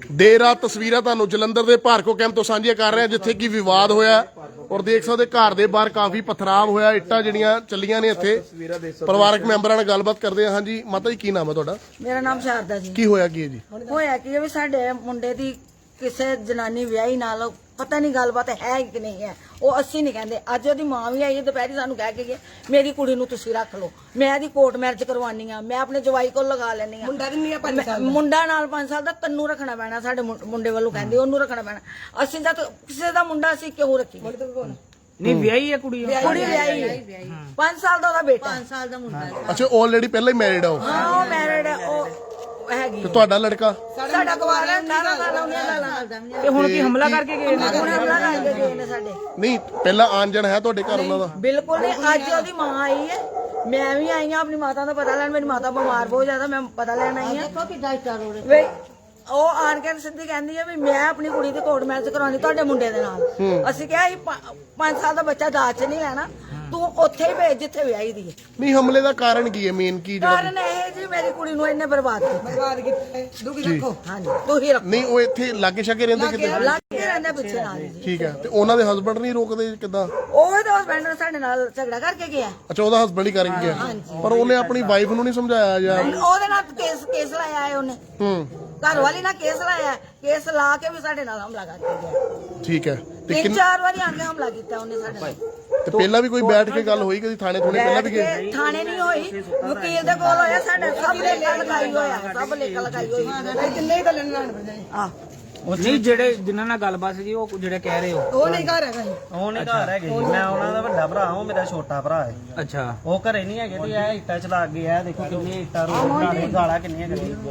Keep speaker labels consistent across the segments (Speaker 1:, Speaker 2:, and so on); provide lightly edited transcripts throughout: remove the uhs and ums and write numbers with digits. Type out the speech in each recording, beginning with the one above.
Speaker 1: ਦੇਰ ਰਾਤ ਤਸਵੀਰਾਂ ਤੁਹਾਨੂੰ ਜਲੰਧਰ ਦੇ ਭਾਰਕੋ ਕੈਂਪ ਤੋਂ ਸਾਂਝੀਆਂ ਕਰ ਰਹੇ ਹਾਂ, ਜਿੱਥੇ ਕਿ ਵਿਵਾਦ ਹੋਇਆ ਔਰ ਦੇਖ ਸਕਦੇ ਘਰ ਦੇ ਬਾਹਰ ਕਾਫੀ ਪਥਰਾਵ ਹੋਇਆ, ਇੱਟਾਂ ਜਿਹੜੀਆਂ ਚੱਲੀਆਂ ਨੇ ਇੱਥੇ। ਪਰਿਵਾਰਕ ਮੈਂਬਰਾਂ ਨਾਲ ਗੱਲਬਾਤ ਕਰਦੇ ਹਾਂ। ਹਾਂਜੀ ਮਾਤਾ ਜੀ, ਕੀ ਨਾਮ ਹੈ ਤੁਹਾਡਾ?
Speaker 2: ਮੇਰਾ ਨਾਮ ਸ਼ਾਰਦਾ ਜੀ।
Speaker 1: ਕੀ ਹੋਇਆ ਕੀ ਹੈ ਜੀ?
Speaker 2: ਹੋਇਆ ਕੀ ਵੀ ਸਾਡੇ ਮੁੰਡੇ ਦੀ ਕਿਸੇ ਜਨਾਨੀ ਵਿਆਹੀ ਨਾਲ ਪਤਾ ਨਹੀਂ ਗੱਲਬਾਤ ਹੈ ਕਿ ਨਹੀਂ ਹੈ, ਉਹ ਅਸੀਂ ਨਹੀਂ ਕਹਿੰਦੇ। ਅੱਜ ਉਹਦੀ ਮਾਂ ਵੀ ਆਈ ਹੈ, ਦੁਪਹਿਰੀ ਸਾਨੂੰ ਕਹਿ ਕੇ ਗਈ ਮੇਰੀ ਕੁੜੀ ਨੂੰ ਤੁਸੀਂ ਰੱਖ ਲਓ, ਮੈਂ ਇਹਦੀ ਕੋਰਟ ਮੈਰਿਜ ਕਰਵਾਉਣੀ ਆ, ਮੈਂ ਆਪਣੇ ਜਵਾਈ ਕੋਲ ਲਗਾ ਲੈਣੀ ਆ। ਮੁੰਡਾ ਨਾਲ 5 ਸਾਲ ਦਾ ਤੈਨੂੰ ਰੱਖਣਾ ਪੈਣਾ, ਸਾਡੇ ਮੁੰਡੇ ਵੱਲੋਂ ਕਹਿੰਦੇ ਉਹਨੂੰ ਰੱਖਣਾ ਪੈਣਾ। ਅਸੀਂ ਤਾਂ ਕਿਸੇ ਦਾ ਮੁੰਡਾ ਅਸੀਂ ਕਿਉਂ ਰੱਖੀਏ?
Speaker 3: ਨਹੀਂ ਵਿਆਹੀ ਹੈ ਕੁੜੀ,
Speaker 2: ਕੁੜੀ ਵਿਆਹੀ 5 ਸਾਲ ਦਾ ਉਹਦਾ ਬੇਟਾ, 5 ਸਾਲ ਦਾ ਮੁੰਡਾ।
Speaker 1: ਅੱਛਾ, ਆਲਰੇਡੀ ਪਹਿਲਾਂ ਹੀ ਮੈਰਿਡ ਆ ਉਹ?
Speaker 2: ਹਾਂ ਉਹ ਮੈਰਿਡ ਹੈ, ਉਹ ਹੈਗੀ।
Speaker 1: ਤੇ ਤੁਹਾਡਾ ਲੜਕਾ?
Speaker 2: ਸਾਡਾ ਕੁਵਾਰਾ 18 ਸਾਲ ਦਾ, 19 ਸਾਲ ਦਾ।
Speaker 3: ਤੇ ਹੁਣ ਕੀ ਹਮਲਾ ਕਰਕੇ ਗਏ ਨੇ?
Speaker 2: ਹੁਣ ਹਮਲਾ ਕਰਕੇ ਗਏ ਨੇ ਸਾਡੇ।
Speaker 1: ਨਹੀਂ ਪਹਿਲਾਂ ਆਣ ਜਾਣ ਹੈ ਤੁਹਾਡੇ ਘਰ ਉਹਨਾਂ ਦਾ?
Speaker 2: ਬਿਲਕੁਲ ਨਹੀਂ। ਅੱਜ ਉਹਦੀ ਮਾਂ ਆਈ ਹੈ, ਮੈਂ ਵੀ ਆਈ ਹਾਂ ਆਪਣੀ ਮਾਤਾ ਦਾ ਪਤਾ ਲੈਣ। ਮੇਰੀ ਮਾਤਾ ਬਿਮਾਰ ਬਹੁਤ ਜ਼ਿਆਦਾ, ਮੈਂ ਪਤਾ ਲੈਣ ਆਈ ਹਾਂ। ਦੇਖੋ ਕਿੱਦਾਂ ਇੱਟਾਂ ਉਹ ਆਣ ਕੇ ਸਿੱਧੀ ਕਹਿੰਦੀ ਹੈ ਵੀ ਮੈਂ ਆਪਣੀ ਕੁੜੀ ਦੀ ਕੋਰਟ ਮੈਰਿਜ ਕਰਾਉਣੀ ਤੁਹਾਡੇ ਮੁੰਡੇ ਦੇ ਨਾਲ। ਅਸੀਂ ਕਿਹਾ 5 ਸਾਲ ਦਾ ਬੱਚਾ ਦਾਜ ਚ ਨਹੀਂ ਲੈਣਾ, ਤੂੰ ਉੱਥੇ ਹੀ ਭੇਜ ਜਿੱਥੇ ਵਿਆਹੀ ਦੀ ਹੈ।
Speaker 1: ਨਹੀਂ ਹਮਲੇ ਦਾ ਕਾਰਨ ਕੀ ਹੈ, ਮੇਨ ਕੀ
Speaker 2: ਕਾਰਨ ਇਹ ਜੀ ਮੇਰੀ ਕੁੜੀ ਨੂੰ ਇਹਨੇ ਬਰਬਾਦ ਕੀਤਾ। ਦੁਖੀ ਰੱਖੋ। ਹਾਂਜੀ ਤੁਸੀਂ ਰੱਖੋ।
Speaker 1: ਨਹੀਂ ਉਹ ਇੱਥੇ ਲਾਗੇ ਛਾਗੇ ਰਹਿੰਦੇ ਕਿਤੇ?
Speaker 2: ਲਾਗੇ ਰਹਿੰਦੇ ਪਿੱਛੇ ਨਾਲ ਜੀ।
Speaker 1: ਠੀਕ ਹੈ, ਤੇ ਉਹਨਾਂ ਦੇ ਹਸਬੰਡ ਨਹੀਂ ਰੋਕਦੇ ਕਿੱਦਾਂ?
Speaker 2: ਉਹ ਤਾਂ ਹਸਬੈਂਡ ਸਾਡੇ ਨਾਲ ਝਗੜਾ ਕਰਕੇ ਗਿਆ।
Speaker 1: ਅੱਛਾ, ਉਹਦਾ ਹਸਬੰਡ ਹੀ ਕਰ ਗਿਆ, ਪਰ ਉਹਨੇ ਆਪਣੀ ਵਾਈਫ ਨੂੰ ਨਹੀਂ ਸਮਝਾਇਆ ਜਾਂ?
Speaker 2: ਉਹਦੇ ਨਾਲ ਕੇਸ ਲਾਇਆ ਹੈ ਉਹਨੇ। ਘਰ ਵਾਲੀ ਨਾਲ ਕੇਸ ਲਾਇਆ, ਕੇਸ ਲਾ ਕੇ ਵੀ ਸਾਡੇ ਨਾਲ ਹਮਲਾ ਕਰਕੇ ਗਿਆ।
Speaker 1: ਠੀਕ ਹੈ, ਤੇ
Speaker 2: 3-4 ਵਾਰੀ ਆਣ ਕੇ ਹਮਲਾ ਕੀਤਾ ਉਹਨੇ ਸਾਡੇ ਨਾਲ।
Speaker 1: ਤੇ ਪਹਿਲਾਂ ਵੀ ਕੋਈ ਬੈਠ ਕੇ ਗੱਲ ਹੋਈ ਕਦੀ ਥਾਣੇ ਪਹਿਲਾਂ ਵੀ ਗਏ?
Speaker 2: ਥਾਣੇ ਨਹੀਂ ਹੋਈ, ਵਕੀਲ ਦੇ ਕੋਲ ਹੋਇਆ। ਸਾਡੇ ਸਭ ਲੇਖਾ ਲਗਾਈ ਹੋਇਆ, ਸਭ ਲੇਖਾ ਲਗਾਈ ਹੋਈ। ਕਿੰਨੇ ਹੀ ਗੱਲਾਂ ਨਾਲ ਆ
Speaker 3: ਨਹੀਂ ਜਿਹੜੇ ਜਿਨ੍ਹਾਂ ਨਾਲ ਗੱਲਬਾਤ ਸੀ ਉਹ ਜਿਹੜੇ ਕਹਿ ਰਹੇ ਹੋ
Speaker 2: ਉਹ ਨਹੀਂ ਘਰ ਹੈਗਾ।
Speaker 4: ਉਹ ਨਹੀਂ ਘਰ ਹੈਗੇ ਜੀ, ਮੈਂ ਉਹਨਾਂ ਦਾ ਵੱਡਾ ਭਰਾ, ਉਹ ਮੇਰਾ ਛੋਟਾ ਭਰਾ ਹੈ।
Speaker 3: ਅੱਛਾ,
Speaker 4: ਉਹ ਘਰੇ ਨਹੀਂ ਹੈਗੇ ਤੇ ਇਹ ਇੱਟਾਂ ਚਲਾ ਗਏ ਆ। ਦੇਖੋ ਕਿੰਨੀਆਂ ਇੱਟਾਂ ਰੋਡ ਗਾਲਾਂ ਕਿੰਨੀਆਂ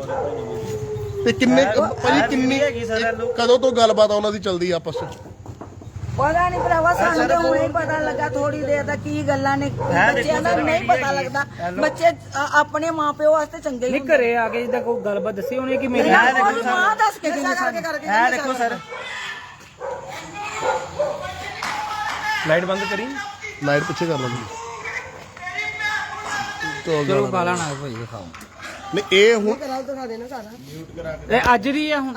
Speaker 4: ਕੱਢੀਆਂ।
Speaker 1: ਤੇ ਕਿੰਨੇ ਭਾਜੀ ਕਿੰਨੀ ਕਦੋਂ ਤੋਂ ਗੱਲਬਾਤ ਉਹਨਾਂ ਦੀ ਚੱਲਦੀ ਆਪਸ ਵਿੱਚ?
Speaker 2: ਪਤਾ ਨਹੀਂ ਭਰਾਵਾ, ਸਾਨੂੰ ਤਾਂ ਹੁਣੇ ਹੀ ਪਤਾ ਲੱਗਾ ਥੋੜੀ ਦੇਰ ਦਾ ਕੀ ਗੱਲਾਂ ਨੇ। ਬੱਚਿਆਂ ਦਾ ਨਹੀਂ ਪਤਾ ਲੱਗਦਾ, ਬੱਚੇ ਆਪਣੇ ਮਾਪਿਓ ਵਾਸਤੇ ਚੰਗੇ ਹੀ
Speaker 3: ਨਹੀਂ ਘਰੇ ਆ ਕੇ ਜਿੱਦਾਂ ਕੋਈ ਗੱਲਬਾਤ ਦੱਸੀ ਉਹਨੇ ਕਿ ਮੇਰੀ
Speaker 2: ਉਹਦੀ ਮਾਂ ਦੱਸ ਕੇ ਗਈ ਕਰਕੇ।
Speaker 4: ਇਹ ਦੇਖੋ ਸਰ, ਲਾਈਟ ਬੰਦ ਕਰੀ,
Speaker 1: ਲਾਈਟ ਪਿੱਛੇ ਕਰ ਲਓ ਜੀ।
Speaker 3: ਚਲੋ ਗਾਲਾਂ ਨਾ ਭਾਈ ਦਿਖਾਓ।
Speaker 1: ਨਹੀਂ ਇਹ ਹੁਣ
Speaker 3: ਇਹ ਅੱਜ ਦੀ ਆ ਹੁਣ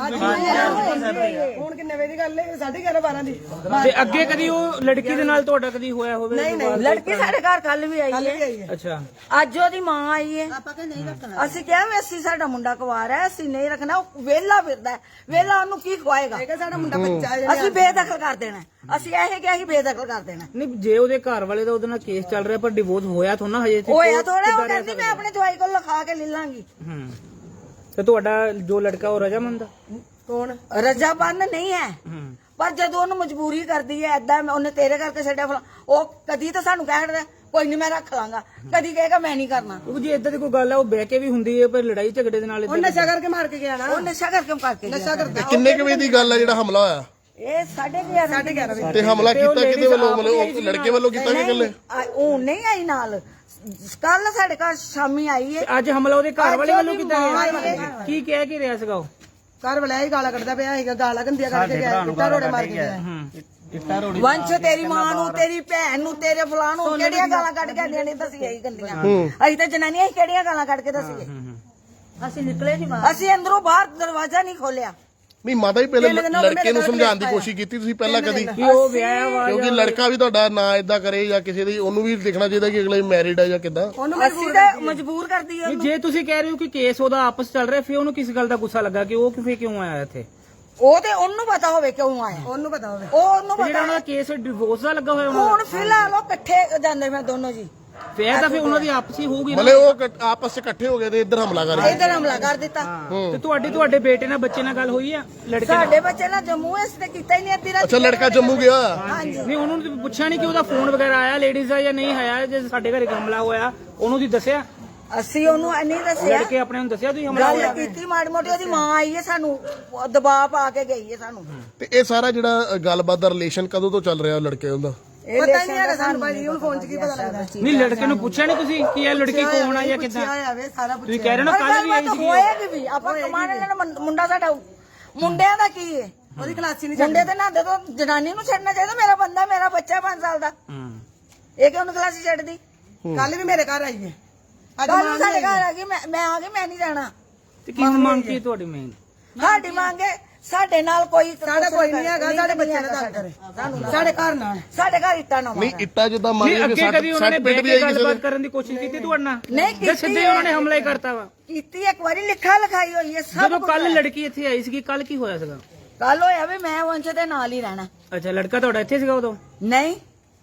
Speaker 2: ਕਿੰਨੇ ਵਜੇ ਦੀ ਗੱਲ ਹੈ? 11:30 12 ਦੀ।
Speaker 3: ਤੇ ਅੱਗੇ ਕਦੀ ਉਹ ਲੜਕੀ ਦੇ ਨਾਲ ਤੁਹਾਡਾ ਕਦੀ ਹੋਇਆ ਹੋਵੇ?
Speaker 2: ਨਹੀਂ, ਲੜਕੀ ਸਾਡੇ ਘਰ ਕੱਲ ਵੀ ਆਈ ਹੈ।
Speaker 3: ਅੱਛਾ,
Speaker 2: ਅੱਜ ਉਹਦੀ ਮਾਂ ਆਈ ਹੈ। ਅਸੀਂ ਕਿਹਾ ਵੀ ਅਸੀਂ ਸਾਡਾ ਮੁੰਡਾ ਕੁਵਾਰ ਹੈ, ਅਸੀਂ ਨਹੀਂ ਰੱਖਣਾ। ਉਹ ਵਿਹਲਾ ਫਿਰਦਾ ਹੈ, ਵਿਹਲਾ ਉਹਨੂੰ ਕੀ ਖਵਾਏਗਾ? ਸਾਡਾ ਮੁੰਡਾ ਬੱਚਾ ਹੈ, ਅਸੀਂ ਬੇਦਖਲ ਕਰ ਦੇਣਾ। ਅਸੀਂ ਇਹ ਕਿਹਾ ਅਸੀਂ ਬੇਦਖਲ ਕਰ ਦੇਣਾ।
Speaker 3: ਨਹੀਂ ਜੇ ਉਹਦੇ ਘਰ ਵਾਲੇ ਦਾ ਉਹਦੇ ਨਾਲ ਕੇਸ ਚੱਲ ਰਿਹਾ ਪਰ ਡਿਵੋਰਸ ਹੋਇਆ ਥੋੜਾ ਹਜੇ?
Speaker 2: ਹੋਇਆ ਥੋੜਾ, ਉਹ ਕਹਿੰਦੀ ਮੈਂ ਆਪਣੇ ਜਵਾਈ ਕੋਲ ਲਿਖਾ ਕੇ ਲੈ ਲਾਂਗੀ।
Speaker 3: ਤੇ ਤੁਹਾਡਾ ਜੋ ਲੜਕਾ ਉਹ ਰਜਾਮੰਦ ਆ?
Speaker 2: ਕੌਣ? ਰਜਾਬੰਦ ਨਹੀਂ ਹੈ, ਪਰ ਜਦੋਂ ਉਹਨੂੰ ਮਜਬੂਰੀ ਕਰਦੀ ਹੈ ਏਦਾਂ ਉਹਨੇ ਤੇਰੇ ਕਰਕੇ ਛੱਡਿਆ ਫਲਾ, ਉਹ ਕਦੀ ਤਾਂ ਸਾਨੂੰ ਕਹਿ ਰਿਹਾ ਕੋਈ ਨਹੀਂ ਮੈਂ ਰੱਖ ਲਾਂਗਾ, ਕਦੀ ਕਹੇਗਾ ਮੈਂ ਨਹੀਂ ਕਰਨਾ।
Speaker 3: ਉਹ ਜੇ ਇਦਾਂ ਦੀ ਕੋਈ ਗੱਲ ਹੈ ਉਹ ਬਹਿ ਕੇ ਵੀ ਹੁੰਦੀ ਹੈ, ਪਰ ਲੜਾਈ ਝਗੜੇ ਦੇ ਨਾਲ
Speaker 2: ਉਹ ਨਸ਼ਾ ਕਰਕੇ ਮਾਰ ਕੇ ਗਿਆ ਨਾ। ਉਹ ਨਸ਼ਾ ਕਰਕੇ ਨਸ਼ਾ ਕਰਦਾ।
Speaker 1: ਕਿੰਨੇ ਕੁ ਵਜੇ ਦੀ ਗੱਲ ਹੈ ਜਿਹੜਾ ਹਮਲਾ ਹੋਇਆ?
Speaker 2: ਇਹ 11:30 ਵਜੇ।
Speaker 1: ਤੇ ਹਮਲਾ ਕੀਤਾ ਕਿਹਦੇ ਵੱਲੋਂ? ਮਤਲਬ ਲੜਕੇ ਵੱਲੋਂ ਕੀਤਾ ਕਿ ਇਕੱਲੇ?
Speaker 2: ਉਹ ਨਹੀਂ ਆਈ ਨਾਲ, ਕੱਲ ਸਾਡੇ ਘਰ ਸ਼ਾਮੀ ਆਈ ਹੈ।
Speaker 3: ਅੱਜ ਹਮਲਾ ਉਹਦੇ ਘਰ ਵਾਲੇ ਵੱਲੋਂ ਕੀਤਾ ਗਿਆ? ਕੀ ਕਹਿ ਕੇ ਰਿਹਾ ਸੀਗਾ ਉਹ?
Speaker 2: ਘਰ ਵਾਲਾ ਹੀ ਗਾਲਾਂ ਕੱਢਦਾ ਪਿਆ ਸੀਗਾ, ਗਾਲਾਂ ਗੰਦੀਆਂ ਕਰਕੇ ਗਿਆ, ਇੱਟਾਂ ਰੋੜੇ ਮਾਰ ਕੇ ਗਿਆ।
Speaker 4: ਇੱਟਾਂ ਰੋੜੀ
Speaker 2: ਵੰਸ਼ ਤੇਰੀ ਮਾਂ ਨੂੰ, ਤੇਰੀ ਭੈਣ ਨੂੰ, ਤੇਰੇ ਫਲਾਂ ਨੂੰ ਕਿਹੜੀਆਂ ਗਾਲਾਂ ਕੱਢ ਕੇ ਆਂਦੀਆਂ ਨੇ ਦੱਸੀਏ ਹੀ ਗੰਦੀਆਂ। ਅਸੀਂ ਤਾਂ ਜਨਾਨੀਆਂ ਹੀ ਕਿਹੜੀਆਂ ਗਾਲਾਂ ਕੱਢ ਕੇ ਦੱਸੀਏ? ਅਸੀਂ ਨਿਕਲੇ ਨਹੀਂ ਬਾਹਰ, ਅਸੀਂ ਅੰਦਰੋਂ ਬਾਹਰ ਦਰਵਾਜ਼ਾ ਨਹੀਂ ਖੋਲਿਆ।
Speaker 1: ਨਹੀਂ ਮਾਤਾ ਜੀ ਪਹਿਲੇ ਲੜਕੇ ਨੂੰ ਸਮਝਾਉਣ ਦੀ ਕੋਸ਼ਿਸ਼ ਕੀਤੀ ਤੁਸੀਂ ਪਹਿਲਾਂ ਕਦੀ?
Speaker 3: ਉਹ ਵਿਆਹ ਵਾ
Speaker 1: ਕਿਉਂਕਿ ਲੜਕਾ ਵੀ ਤੁਹਾਡਾ ਨਾ ਇਦਾਂ ਕਰੇ ਜਾਂ ਕਿਸੇ ਦੀ, ਉਹਨੂੰ ਵੀ ਦੇਖਣਾ ਚਾਹੀਦਾ ਕਿ ਅਗਲੇ ਮੈਰਿਡ ਹੈ ਜਾਂ ਕਿੱਦਾਂ।
Speaker 2: ਅਸੀਂ ਤਾਂ ਮਜਬੂਰ ਕਰਦੀ ਹੈ।
Speaker 3: ਜੇ ਤੁਸੀਂ ਕਹਿ ਰਹੇ ਹੋ ਕਿ ਕੇਸ ਉਹਦਾ ਆਪਸ ਚੱਲ ਰਿਹਾ, ਫਿਰ ਉਹਨੂੰ ਕਿਸ ਗੱਲ ਦਾ ਗੁੱਸਾ ਲੱਗਾ ਕਿ ਉਹ ਕਿਉਂ ਆਇਆ ਇੱਥੇ?
Speaker 2: ਉਹ ਤੇ ਉਹਨੂੰ ਪਤਾ ਹੋਵੇ ਕਿਉਂ ਆਇਆ, ਉਹਨੂੰ ਪਤਾ ਹੋਵੇ, ਉਹਨੂੰ
Speaker 3: ਜਿਹੜਾ
Speaker 2: ਪਤਾ।
Speaker 3: ਉਹਨਾਂ ਦਾ ਕੇਸ ਡਿਵੋਰਸ ਦਾ ਲੱਗਾ ਹੋਇਆ ਉਹਨਾਂ
Speaker 2: ਹੁਣ ਫਿਲਹਾਲ ਉਹ ਇਕੱਠੇ ਜਾਂਦੇ ਮੈਂ ਦੋਨੋਂ ਜੀ।
Speaker 3: ਫਿਰ ਤਾਂ ਫਿਰ ਉਹਨਾਂ ਦੀ ਆਪਸੀ ਹੋਊਗੀ।
Speaker 1: ਮਤਲਬ ਉਹ ਆਪਸ ਚ ਇਕੱਠੇ ਹੋ ਗਏ ਤੇ ਇੱਧਰ ਹਮਲਾ ਕਰ ਗਏ।
Speaker 2: ਇੱਧਰ ਹਮਲਾ ਕਰ ਦਿੱਤਾ।
Speaker 3: ਤੇ ਤੁਹਾਡੇ ਬੇਟੇ ਨਾਲ ਬੱਚੇ ਨਾਲ ਗੱਲ ਹੋਈ ਆ? ਲੜਕੇ
Speaker 2: ਸਾਡੇ ਬੱਚੇ ਨਾਲ ਜੰਮੂ ਇਸ ਤੇ ਕੀਤਾ ਹੀ ਨਹੀਂ ਅੱਧੀ ਰਾਤ।
Speaker 1: ਅੱਛਾ, ਲੜਕਾ ਜੰਮੂ ਗਿਆ?
Speaker 3: ਨਹੀਂ, ਉਹਨੂੰ ਤਾਂ ਪੁੱਛਿਆ ਨਹੀਂ ਕਿ ਉਹਦਾ ਫੋਨ ਵਗੈਰਾ ਆਇਆ ਲੇਡੀਜ਼ ਦਾ ਜਾਂ ਨਹੀਂ ਆਇਆ? ਜੇ ਸਾਡੇ ਘਰੇ ਹਮਲਾ ਹੋਇਆ ਉਹਨੂੰ ਦੀ ਦੱਸਿਆ?
Speaker 2: ਅਸੀਂ ਉਹਨੂੰ ਨਹੀਂ ਦੱਸਿਆ,
Speaker 3: ਲੜਕੇ ਆਪਣੇ ਨੂੰ ਦੱਸਿਆ ਤੁਸੀਂ ਹਮਲਾ
Speaker 2: ਗੱਲ
Speaker 3: ਹੋਇਆ?
Speaker 2: ਕੀਤੀ ਮਾੜੀ ਮੋਟੀ। ਉਹਦੀ ਮਾਂ ਆਈ ਹੈ, ਸਾਨੂੰ ਦਬਾਅ ਪਾ ਕੇ ਗਈ ਹੈ ਸਾਨੂੰ।
Speaker 1: ਤੇ ਇਹ ਸਾਰਾ ਜਿਹੜਾ ਗੱਲਬਾਤ ਦਾ ਰਿਲੇਸ਼ਨ ਕਦੋਂ ਤੋਂ ਚੱਲ ਰਿਹਾ ਲੜਕੇ ਉਹਦਾ?
Speaker 2: ਪਤਾ ਹੀ ਨਹੀਂ ਹੈਗਾ ਸਾਨੂੰ ਭਾਜੀ, ਹੁਣ ਫੋਨ 'ਚ ਕੀ ਪਤਾ ਲੱਗਦਾ?
Speaker 3: ਨਹੀਂ, ਲੜਕੇ ਨੂੰ ਪੁੱਛਿਆ ਨਹੀਂ ਤੁਸੀਂ ਕਿ ਇਹ ਲੜਕੀ ਕੌਣ ਆ ਜਾਂ ਕਿੱਦਾਂ? ਤੁਸੀਂ ਕਹਿ ਰਹੇ ਹੋ ਕੱਲ ਵੀ ਆਈ ਸੀ।
Speaker 2: ਹੋਏਗੀ ਵੀ, ਆਪਾਂ ਕਮਾਣ ਲੈਣਾ। ਮੁੰਡਾ ਸਾਡਾ, ਮੁੰਡਿਆਂ ਦਾ ਕੀ ਹੈ? ਉਹਦੀ ਕਲਾਸੀ ਨਹੀਂ, ਮੁੰਡੇ ਤੇ ਨਾਂਦੇ ਤੋਂ ਜਨਾਨੀ ਨੂੰ ਛੱਡਣਾ ਚਾਹੀਦਾ। ਮੇਰਾ ਬੰਦਾ, ਮੇਰਾ ਬੱਚਾ 5 ਸਾਲ ਦਾ, ਇਹ ਕਿਉਂ ਕਲਾਸੀ ਛੱਡਦੀ? ਕੱਲ ਵੀ ਮੇਰੇ ਘਰ ਆਈ ਹੈ, ਅੱਜ ਸਾਡੇ ਘਰ ਆ ਗਈ। ਮੈਂ ਆ ਗਈ, ਮੈਂ ਨਹੀਂ ਜਾਣਾ।
Speaker 3: ਤੇ ਕੀ ਮੰਗ ਕੀ ਤੁਹਾਡੀ ਮੇਨ?
Speaker 2: ਸਾਡੀ ਮੰਗ ਹੈ ਸਾਡੇ ਨਾਲ ਕੋਈ ਨਹੀਂ ਹੈਗਾ, ਸਾਡੇ ਬੱਚਿਆਂ ਦਾ ਸਾਡੇ ਘਰ ਨਾਲ ਸਾਡੇ ਘਰ ਇੱਟਾਂ ਨਾ
Speaker 1: ਨਹੀਂ ਇੱਟਾਂ ਜਿੱਦਾਂ ਮਾਰੀਆਂ
Speaker 3: ਅੱਗੇ ਕਦੀ ਉਹਨਾਂ ਨੇ ਬੈਠ ਕੇ ਗੱਲਬਾਤ ਕਰਨ ਦੀ ਕੋਸ਼ਿਸ਼ ਕੀਤੀ ਤੁਹਾਡੇ ਨਾਲ?
Speaker 2: ਨਹੀਂ
Speaker 3: ਜਾਂ ਸਿੱਧੇ ਉਹਨਾਂ ਨੇ ਹਮਲਾ ਹੀ ਕਰਤਾ ਵਾ?
Speaker 2: ਕੀਤੀ ਇੱਕ ਵਾਰੀ ਲਿਖਾ ਲਿਖਾਈ ਹੋਈ ਹੈ ਸਭ।
Speaker 3: ਜਦੋਂ ਕੱਲ ਲੜਕੀ ਇੱਥੇ ਆਈ ਸੀਗੀ, ਕੱਲ ਕੀ ਹੋਇਆ ਸੀਗਾ?
Speaker 2: ਕੱਲ ਹੋਇਆ ਵੀ ਮੈਂ ਵੰਸ਼ ਦੇ ਨਾਲ ਹੀ ਰਹਿਣਾ।
Speaker 3: ਅੱਛਾ, ਲੜਕਾ ਤੁਹਾਡਾ ਇੱਥੇ ਸੀਗਾ ਉਦੋਂ?
Speaker 2: ਨਹੀਂ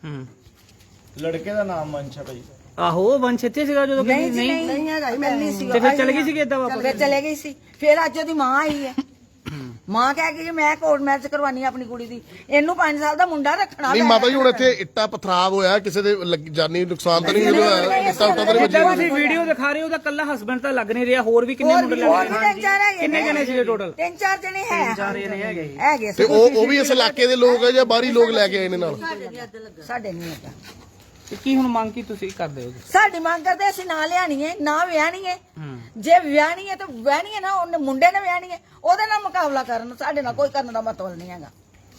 Speaker 4: ਲੜਕੇ ਦਾ ਨਾਮ ਵੰਸ਼ ਹੈ ਭਾਈ।
Speaker 3: ਆਹੋ, ਵੰਸ਼ ਇੱਥੇ ਸੀਗਾ ਜਦੋਂ?
Speaker 2: ਨਹੀਂ ਹੈਗਾ, ਮੈਂ ਨਹੀਂ ਸੀ।
Speaker 3: ਤੇ ਫਿਰ ਚਲੇ ਗਈ ਸੀਗੀ ਏਦਾਂ ਵਾਪਸ?
Speaker 2: ਫਿਰ ਚਲੇ ਗਈ ਸੀ। ਫਿਰ ਅੱਜ ਉਹਦੀ ਮਾਂ ਆਈ ਹੈ। ਮਾਂ ਕਹਿ ਗਈ ਮੈਂ ਕੋਰਟ ਮੈਰਿਜ ਕਰਵਾਨੀ ਆਪਣੀ ਕੁੜੀ ਦੀ, ਇਹਨੂੰ 5 ਸਾਲ ਦਾ ਮੁੰਡਾ ਰੱਖਣਾ।
Speaker 1: ਨਹੀਂ ਮਾਤਾ ਜੀ ਹੁਣ ਇੱਥੇ ਇੱਟਾਂ ਪਥਰਾਵ ਹੋਇਆ, ਕਿਸੇ ਦੇ ਜਾਨੀ ਨੁਕਸਾਨ ਤਾਂ ਨਹੀਂ ਹੋਇਆ? ਇੱਟਾਂ ਉੱਟਾਂ ਤਾਂ ਨਹੀਂ
Speaker 3: ਜਿੱਦਾਂ
Speaker 1: ਵੱਜੀਆਂ?
Speaker 3: ਤੁਸੀਂ ਵੀਡੀਓ ਦਿਖਾ ਰਹੇ ਹੋ, ਉਹਦਾ ਕੱਲਾ ਹਸਬੰਡ ਤਾਂ ਲੱਗ ਨਹੀਂ ਰਿਹਾ, ਹੋਰ ਵੀ ਕਿੰਨੇ ਮੁੰਡੇ ਲੱਗ ਰਹੇ? ਕਿੰਨੇ ਜਣੇ ਸੀਗੇ ਟੋਟਲ?
Speaker 2: 3-4 ਜਣੇ ਹੈਗੇ
Speaker 1: ਤੇ ਉਹ ਵੀ ਇਸ ਇਲਾਕੇ ਦੇ ਲੋਕ ਹੈ ਜਾਂ ਬਾਹਰੀ ਲੋਕ ਲੈ ਕੇ ਆਏ ਨੇ ਨਾਲ?
Speaker 2: ਸਾਡੇ ਨਹੀਂ ਹੈਗਾ।
Speaker 3: ਤੇ ਕੀ ਹੁਣ ਮੰਗ ਕੀ ਤੁਸੀਂ ਕਰਦੇ ਹੋ?
Speaker 2: ਸਾਡੀ ਮੰਗ ਕਰਦੇ ਅਸੀਂ ਨਾ ਲਿਆਣੀ ਹੈ ਨਾ ਵਿਆਹਣੀ ਹੈ। ਜੇ ਵਿਆਹਣੀ ਹੈ ਤਾਂ ਵਿਆਹਣੀ ਹੈ ਨਾ, ਉਹਨੇ ਮੁੰਡੇ ਨੇ ਵਿਆਹਣੀ ਹੈ, ਉਹਦੇ ਨਾਲ ਮੁਕਾਬਲਾ ਕਰਨ, ਸਾਡੇ ਨਾਲ ਕੋਈ ਕਰਨ ਦਾ ਮਤਲਬ ਨਹੀਂ ਹੈਗਾ।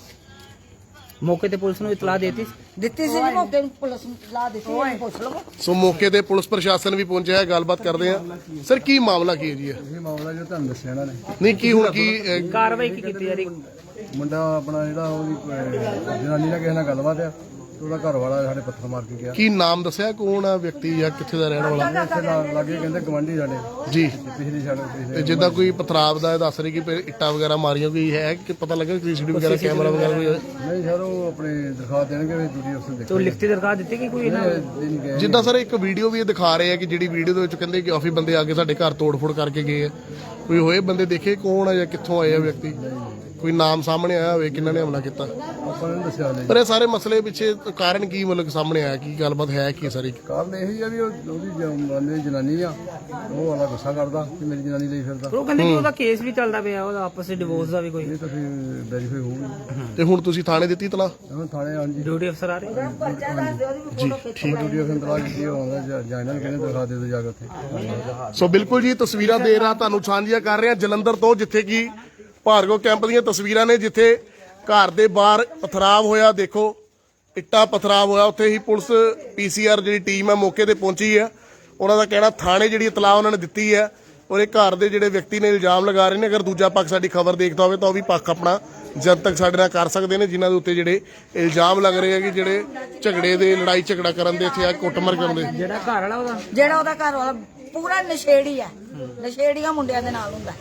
Speaker 3: ਮੌਕੇ ਤੇ ਪੁਲਿਸ ਨੂੰ ਇਤਲਾਹ ਦੇਤੀ?
Speaker 2: ਦਿੱਤੀ ਸੀ ਜੀ, ਮੌਕੇ ਨੂੰ ਪੁਲਿਸ ਨੂੰ ਇਤਲਾਹ ਦਿੱਤੀ, ਇਹਨੂੰ ਪੁੱਛ ਲਵੋ।
Speaker 1: ਸੋ ਮੌਕੇ ਤੇ ਪੁਲਿਸ ਪ੍ਰਸ਼ਾਸਨ ਵੀ ਪਹੁੰਚਿਆ ਹੈ, ਗੱਲਬਾਤ ਕਰਦੇ ਆ। ਸਰ ਕੀ ਮਾਮਲਾ ਕੀ ਹੈ ਜੀ?
Speaker 5: ਇਹ ਮਾਮਲਾ ਜੋ ਤੁਹਾਨੂੰ ਦੱਸਿਆ ਇਹਨਾਂ ਨੇ,
Speaker 1: ਨਹੀਂ ਕੀ ਹੁਣ ਕੀ
Speaker 3: ਕਾਰਵਾਈ ਕੀ ਕੀਤੀ ਜਾ ਰਹੀ?
Speaker 5: ਮੁੰਡਾ ਆਪਣਾ ਜਿਹੜਾ ਉਹਦੀ ਜਨਾਨੀ ਨਾਲ ਕਿਸੇ ਨਾਲ ਗੱਲਬਾਤ ਆ, ਤੇ ਉਹਦਾ ਘਰ ਵਾਲਾ ਸਾਡੇ ਪੱਥਰ ਮਾਰ ਕੇ ਗਿਆ।
Speaker 1: ਕੀ ਨਾਮ ਦੱਸਿਆ ਕੌਣ ਆ ਵਿਅਕਤੀ ਜਾਂ ਕਿੱਥੇ ਦਾ ਰਹਿਣ ਵਾਲਾ?
Speaker 5: ਇੱਥੇ ਲਾਗੇ ਕਹਿੰਦੇ ਗਵਾਂਢੀ ਸਾਡੇ
Speaker 1: ਜੀ।
Speaker 5: ਪਿਛਲੀ ਸਾਈਡ
Speaker 1: ਤੇ
Speaker 5: ਪਿਛਲੇ
Speaker 1: ਜਿੱਦਾਂ ਕੋਈ ਪਥਰਾਵ ਦਾ ਦੱਸ ਰਹੀ ਕਿ ਇੱਟਾਂ ਵਗੈਰਾ ਮਾਰੀਆਂ ਕੋਈ ਹੈ ਕਿ ਪਤਾ ਲੱਗਾ ਸੀਸੀਟੀਵੀ ਵਗੈਰਾ ਕੈਮਰਾ ਵਗੈਰਾ ਕੋਈ?
Speaker 5: ਨਹੀਂ ਸਰ, ਉਹ ਆਪਣੇ ਦਿਖਾ ਦੇਣਗੇ ਵੀ ਡਿਊਟੀ ਅਫਸਰ
Speaker 3: ਤੋ
Speaker 5: ਦੇਖੋ।
Speaker 3: ਲਿਖਤੀ ਦਰਖਾਸਤ ਦਿੱਤੀ ਕਿ ਕੋਈ ਇਹਨਾਂ
Speaker 5: ਦਿਨ ਗਏ
Speaker 1: ਜਿੱਦਾਂ ਸਰ ਇੱਕ ਵੀਡੀਓ ਵੀ ਇਹ ਦਿਖਾ ਰਹੇ ਆ ਕਿ ਜਿਹੜੀ ਵੀਡੀਓ ਦੇ ਵਿੱਚ ਕਹਿੰਦੇ ਕਿ ਕਾਫੀ ਬੰਦੇ ਆ ਕੇ ਸਾਡੇ ਘਰ ਤੋੜਫੋੜ ਕਰਕੇ ਗਏ ਆ, ਕੋਈ ਹੋਏ ਬੰਦੇ ਦੇਖੇ ਕੌਣ ਆ ਜਾਂ ਕਿੱਥੋਂ ਆਏ ਆ ਵਿਅਕਤੀ? ਕੋਈ ਨਾਮ ਸਾਹਮਣੇ ਆਇਆ ਹੋਵੇ ਕਿਹਨਾਂ ਨੇ ਹਮਲਾ ਕੀਤਾ?
Speaker 5: ਆਪਾਂ ਨੇ ਦੱਸਿਆ ਨਹੀਂ।
Speaker 1: ਪਰ ਇਹ ਸਾਰੇ ਮਸਲੇ ਪਿੱਛੇ ਕਾਰਨ ਕੀ ਮਤਲਬ ਸਾਹਮਣੇ ਆਇਆ, ਕੀ ਗੱਲਬਾਤ ਹੈ ਕੀ ਸਾਰੀ?
Speaker 5: ਕਾਰਨ ਇਹੀ ਆ ਵੀ ਉਹਦੀ ਬੰਦੇ ਦੀ ਜਨਾਨੀ ਆ, ਉਹ ਵਾਲਾ ਗੁੱਸਾ ਕਰਦਾ ਕਿ ਮੇਰੀ ਜਨਾਨੀ ਲਈ ਫਿਰਦਾ।
Speaker 3: ਉਹ ਕਹਿੰਦੇ ਕਿ ਉਹਦਾ ਕੇਸ ਵੀ ਚੱਲਦਾ ਪਿਆ, ਉਹਦਾ ਆਪਸ ਵਿੱਚ ਡਿਵੋਰਸ ਦਾ ਵੀ ਕੋਈ।
Speaker 5: ਇਹ ਤਾਂ ਫਿਰ ਵੈਰੀਫਾਈ ਹੋਊਗੀ।
Speaker 1: ਤੇ ਹੁਣ ਤੁਸੀਂ ਥਾਣੇ ਦਿੱਤੀ ਤਲਾ?
Speaker 5: ਹੁਣ ਥਾਣੇ ਹਾਂਜੀ
Speaker 3: ਡਿਊਟੀ ਅਫਸਰ ਆ ਰਹੇ?
Speaker 1: ਜੀ ਠੀਕ।
Speaker 5: ਡਿਊਟੀ ਅਫਸਰ ਤਲਾਕ ਕੀਤੀ ਹੋਣਾ ਜਾਂ ਇਹਨਾਂ ਨੂੰ ਕਹਿੰਦੇ ਦਿਖਾ ਦੇ ਦੋ ਜਾ ਕੇ ਉੱਥੇ।
Speaker 1: ਸੋ ਬਿਲਕੁਲ ਜੀ, ਤਸਵੀਰਾਂ ਦੇ ਰਹਾ ਤੁਹਾਨੂੰ ਸਾਂਝੀਆਂ ਕਰ ਰਹੇ ਹਾਂ ਜਲੰਧਰ ਤੋਂ, ਜਿੱਥੇ ਕਿ ਭਾਰਗਵ ਕੈਂਪ ਦੀਆਂ ਤਸਵੀਰਾਂ ਨੇ, ਜਿੱਥੇ ਘਰ ਦੇ ਬਾਹਰ ਪਥਰਾਵ ਹੋਇਆ। ਦੇਖੋ ਇੱਟਾਂ ਪਥਰਾਵ ਹੋਇਆ, ਉੱਥੇ ਹੀ ਪੁਲਿਸ ਪੀਸੀਆਰ ਜਿਹੜੀ ਟੀਮ ਹੈ ਮੌਕੇ ਤੇ ਪਹੁੰਚੀ ਹੈ। ਉਹਨਾਂ ਦਾ ਕਹਿਣਾ ਥਾਣੇ ਜਿਹੜੀ ਇਤਲਾਹ ਉਹਨਾਂ ਨੇ ਦਿੱਤੀ ਹੈ, ਔਰ ਇਹ ਘਰ ਦੇ ਜਿਹੜੇ ਵਿਅਕਤੀ ਨੇ ਇਲਜ਼ਾਮ ਲਗਾ ਰਹੇ ਨੇ, ਅਗਰ ਦੂਜਾ ਪੱਖ ਸਾਡੀ ਖਬਰ ਦੇਖਦਾ ਹੋਵੇ ਤਾਂ ਉਹ ਵੀ ਪੱਖ ਆਪਣਾ ਜਨਤਕ ਸਾਡੇ ਨਾਲ ਕਰ ਸਕਦੇ ਨੇ, ਜਿਨ੍ਹਾਂ ਦੇ ਉੱਤੇ ਜਿਹੜੇ ਇਲਜ਼ਾਮ ਲੱਗ ਰਹੇ ਆ ਕਿ ਜਿਹੜੇ ਝਗੜੇ ਦੇ ਲੜਾਈ ਝਗੜਾ ਕਰਨ ਦੇ, ਇੱਥੇ ਆ ਕੁੱਟਮਾਰ ਕਰਨ ਦੇ।
Speaker 3: ਜਿਹੜਾ ਘਰ ਵਾਲਾ ਉਹਦਾ
Speaker 2: ਜਿਹੜਾ ਉਹਦਾ ਘਰ ਵਾਲਾ ਪੂਰਾ ਨਸ਼ੇੜੀ ਹੈ, ਨਸ਼ੇੜੀਆਂ ਮੁੰਡਿਆਂ ਦੇ ਨਾਲ ਹੁੰਦਾ।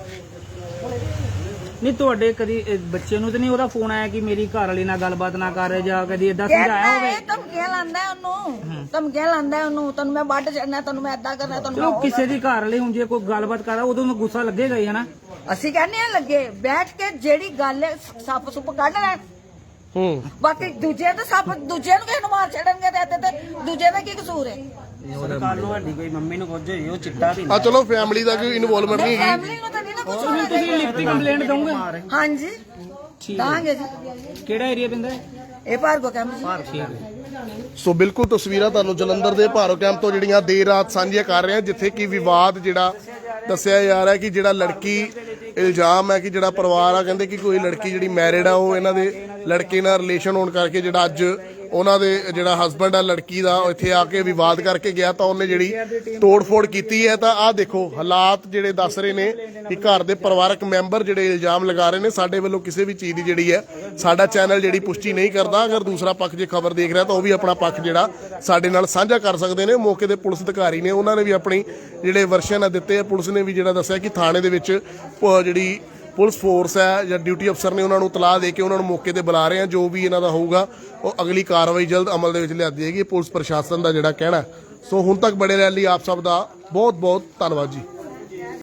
Speaker 3: ਨਹੀਂ ਤੁਹਾਡੇ ਕਦੀ ਬੱਚੇ ਨੂੰ ਤੇ ਨਹੀਂ ਉਹਦਾ ਫੋਨ ਆਇਆ ਕਿ ਮੇਰੀ ਘਰ ਵਾਲੀ ਨਾਲ ਗੱਲਬਾਤ ਨਾ ਕਰ, ਜਾਂ ਕਦੀ ਏਦਾਂ ਸਮਝਾਇਆ ਹੋਵੇ?
Speaker 2: ਧਮਕੀਆਂ ਲਾਂਦਾ ਉਹਨੂੰ, ਧਮਕੀਆਂ ਲਾਂਦਾ ਉਹਨੂੰ, ਤੈਨੂੰ ਮੈਂ ਵੱਢ ਛੱਡਣਾ, ਤੈਨੂੰ ਮੈਂ ਏਦਾਂ ਕਰਨਾ,
Speaker 3: ਚਲੋ
Speaker 2: ਤੈਨੂੰ
Speaker 3: ਕਿਸੇ ਦੀ ਘਰ ਵਾਲੀ ਹੁਣ ਜੇ ਕੋਈ ਗੱਲਬਾਤ ਕਰਦਾ ਉਦੋਂ ਨੂੰ ਗੁੱਸਾ ਲੱਗੇਗਾ ਹੀ, ਹਨਾ?
Speaker 2: ਅਸੀਂ ਕਹਿੰਦੇ ਆ ਲੱਗੇ ਬੈਠ ਕੇ ਜਿਹੜੀ ਗੱਲ ਹੈ ਸੱਪ ਸੁੱਪ ਕੱਢ ਲੈਣ। ਬਾਕੀ ਦੂਜੇ ਤਾਂ ਸੱਪ ਦੂਜੇ ਨੂੰ ਕਿਸੇ ਨੂੰ ਮਾਰ ਛੱਡਣਗੇ ਤੇ ਇੱਥੇ ਤੇ ਦੂਜੇ ਦਾ ਕੀ ਕਸੂਰ ਹੈ?
Speaker 4: ਕੱਲ ਨੂੰ ਸਾਡੀ ਕੋਈ ਮੰਮੀ ਨੂੰ ਕੁਝ ਹੋਈ, ਉਹ ਚਿੱਟਾ ਵੀ
Speaker 1: ਆ ਚਲੋ ਫੈਮਿਲੀ ਦਾ ਕੋਈ ਇਨਵੋਲਵਮੈਂਟ ਨਹੀਂ ਹੈਗੀ।
Speaker 2: ਫੈਮਿਲੀ ਨੂੰ ਤਾਂ ਨਹੀਂ ਨਾ ਕੁਝ
Speaker 3: ਹੁਣ ਤੁਸੀਂ ਲਿਖਤੀ ਕੰਪਲੇਂਟ ਦੋਗੇ?
Speaker 2: ਹਾਂਜੀ ਦਾਂਗੇ ਜੀ।
Speaker 3: ਕਿਹੜਾ ਏਰੀਆ ਪੈਂਦਾ ਹੈ?
Speaker 2: ਇਹ ਭਾਰਗੋ ਕੈਂਪ ਜੀ।
Speaker 1: ਸੋ ਬਿਲਕੁਲ ਤਸਵੀਰਾਂ ਤੁਹਾਨੂੰ ਜਲੰਧਰ ਦੇ ਭਾਰੋ ਕੈਂਪ ਤੋਂ ਜਿਹੜੀਆਂ ਦੇਰ ਰਾਤ ਸਾਂਝੀਆਂ ਕਰ ਰਹੇ ਹਾਂ, ਜਿੱਥੇ ਕਿ ਵਿਵਾਦ ਜਿਹੜਾ ਦੱਸਿਆ ਜਾ ਰਿਹਾ ਕਿ ਜਿਹੜਾ ਲੜਕੀ ਇਲਜ਼ਾਮ ਹੈ ਕਿ ਜਿਹੜਾ ਪਰਿਵਾਰ ਆ ਕਹਿੰਦੇ ਕਿ ਕੋਈ ਲੜਕੀ ਜਿਹੜੀ ਮੈਰਿਡ ਆ, ਉਹ ਇਹਨਾਂ ਦੇ ਲੜਕੇ ਨਾਲ ਰਿਲੇਸ਼ਨ ਹੋਣ ਕਰਕੇ ਜਿਹੜਾ ਅੱਜ ਉਹਨਾਂ ਦੇ ਜਿਹੜਾ ਹਸਬੰਡ ਆ ਲੜਕੀ ਦਾ ਇੱਥੇ ਆ ਕੇ ਵਿਵਾਦ ਕਰਕੇ ਗਿਆ, ਤਾਂ ਉਹਨੇ ਜਿਹੜੀ ਤੋੜ-ਫੋੜ ਕੀਤੀ ਹੈ। ਤਾਂ ਆਹ ਦੇਖੋ ਹਾਲਾਤ ਜਿਹੜੇ ਦੱਸ ਰਹੇ ਨੇ ਕਿ ਘਰ ਦੇ ਪਰਿਵਾਰਕ ਮੈਂਬਰ ਜਿਹੜੇ ਇਲਜ਼ਾਮ ਲਗਾ ਰਹੇ ਨੇ। ਸਾਡੇ ਵੱਲੋਂ ਕਿਸੇ ਵੀ ਚੀਜ਼ ਦੀ ਜਿਹੜੀ ਹੈ ਸਾਡਾ ਚੈਨਲ ਜਿਹੜੀ ਪੁਸ਼ਟੀ ਨਹੀਂ ਕਰਦਾ। ਅਗਰ ਦੂਸਰਾ ਪੱਖ ਜੇ ਖਬਰ ਦੇਖ ਰਿਹਾ ਤਾਂ ਉਹ ਵੀ ਆਪਣਾ ਪੱਖ ਜਿਹੜਾ ਸਾਡੇ ਨਾਲ ਸਾਂਝਾ ਕਰ ਸਕਦੇ ਨੇ। ਮੌਕੇ ਦੇ ਪੁਲਿਸ ਅਧਿਕਾਰੀ ਨੇ, ਉਹਨਾਂ ਨੇ ਵੀ ਆਪਣੀ ਜਿਹੜੇ ਵਰਸ਼ਨ ਦਿੱਤੇ ਆ। ਪੁਲਿਸ ਨੇ ਵੀ ਜਿਹੜਾ ਦੱਸਿਆ ਕਿ ਥਾਣੇ ਦੇ ਵਿੱਚ ਜਿਹੜੀ ਪੁਲਿਸ ਫੋਰਸ ਹੈ ਜਾਂ ਡਿਊਟੀ ਅਫਸਰ ਨੇ, ਉਹਨਾਂ ਨੂੰ ਇਤਲਾਹ ਦੇ ਕੇ ਉਹਨਾਂ ਨੂੰ ਮੌਕੇ ਤੇ ਬੁਲਾ ਰਹੇ ਆ। ਜੋ ਵੀ ਇਹਨਾਂ ਦਾ ਹੋਊਗਾ ਉਹ ਅਗਲੀ ਕਾਰਵਾਈ ਜਲਦ ਅਮਲ ਦੇ ਵਿੱਚ ਲਿਆਂਦੀ ਜਾਏਗੀ, ਪੁਲਿਸ ਪ੍ਰਸ਼ਾਸਨ ਦਾ ਜਿਹੜਾ ਕਹਿਣਾ। ਸੋ ਹੁਣ ਤੱਕ ਬੜੇ ਰਹਿਣ ਲਈ ਆਪ ਸਭ ਦਾ ਬਹੁਤ ਬਹੁਤ ਧੰਨਵਾਦ ਜੀ।